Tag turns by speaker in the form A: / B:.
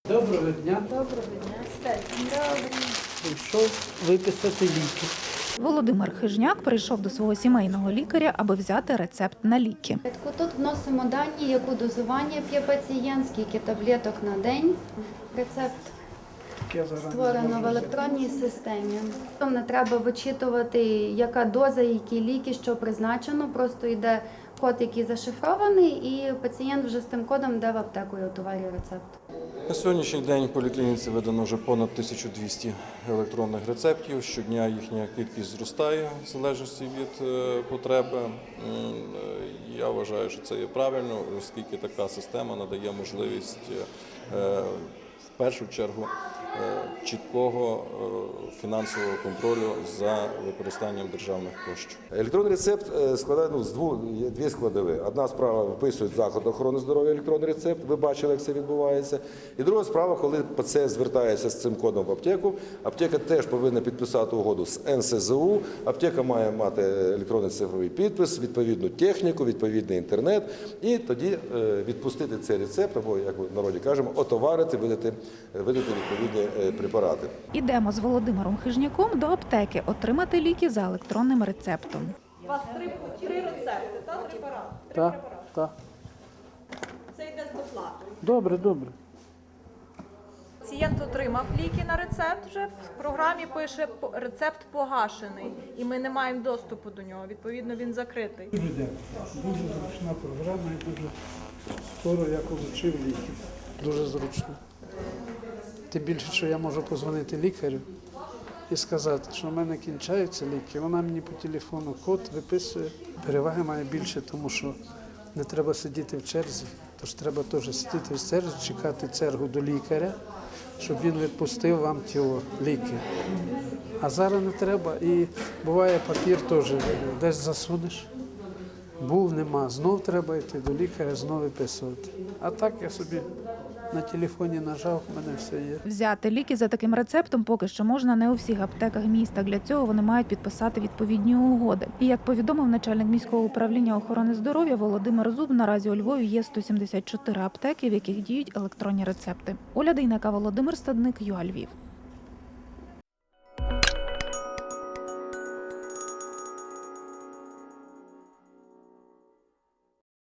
A: Доброго дня.
B: Доброго дня. Добре.
A: Прийшов виписати ліки.
C: Володимир Хижняк прийшов до свого сімейного лікаря, аби взяти рецепт на ліки.
B: Тут вносимо дані, яку дозування п'є пацієнт, скільки таблеток на день. Рецепт створено в електронній системі. Там не треба вичитувати, яка доза, які ліки, що призначено. Просто йде код, який зашифрований, і пацієнт вже з тим кодом йде в аптеку і отоварює рецепт.
D: На сьогоднішній день в поліклініці видано вже понад 1200 електронних рецептів. Щодня їхня кількість зростає в залежності від потреби. Я вважаю, що це є правильно, оскільки така система надає можливість в першу чергу чіткого фінансового контролю за використанням державних коштів.
E: Електронний рецепт складає дві складові. Одна справа виписують заклад охорони здоров'я електронний рецепт, ви бачили, як це відбувається. І друга справа, коли пацієнт звертається з цим кодом в аптеку, аптека теж повинна підписати угоду з НСЗУ, аптека має мати електронний цифровий підпис, відповідну техніку, відповідний інтернет, і тоді відпустити цей рецепт, або, як в народі кажемо, отоварити, видати відповідні препарати.
C: Ідемо з Володимиром Хижняком до аптеки отримати ліки за електронним рецептом.
F: У вас три рецепти, так? Препарати?
A: Так.
F: Це йде з доплатою.
A: Добре, добре.
F: Пацієнт отримав ліки на рецепт вже, в програмі пише рецепт погашений, і ми не маємо доступу до нього, відповідно він закритий.
A: Дуже дякую. Дуже зручна програма і дуже скоро я отримав ліки. Дуже зручно. Тим більше, що я можу подзвонити лікарю і сказати, що в мене кінчаються ліки. Вона мені по телефону код виписує. Переваги має більше, тому що не треба сидіти в черзі. Тож треба теж сидіти в черзі, чекати чергу до лікаря, щоб він відпустив вам ті ліки. А зараз не треба. І буває папір теж, десь засунеш. Був, нема. Знов треба йти до лікаря, знов виписувати. А так я собі на телефоні нажав, в мене все є.
C: Взяти ліки за таким рецептом поки що можна не у всіх аптеках міста. Для цього вони мають підписати відповідні угоди. І як повідомив начальник міського управління охорони здоров'я Володимир Зуб, наразі у Львові є 174 аптеки, в яких діють електронні рецепти. Оля Дейнека, Володимир Стадник, ЮА Львів.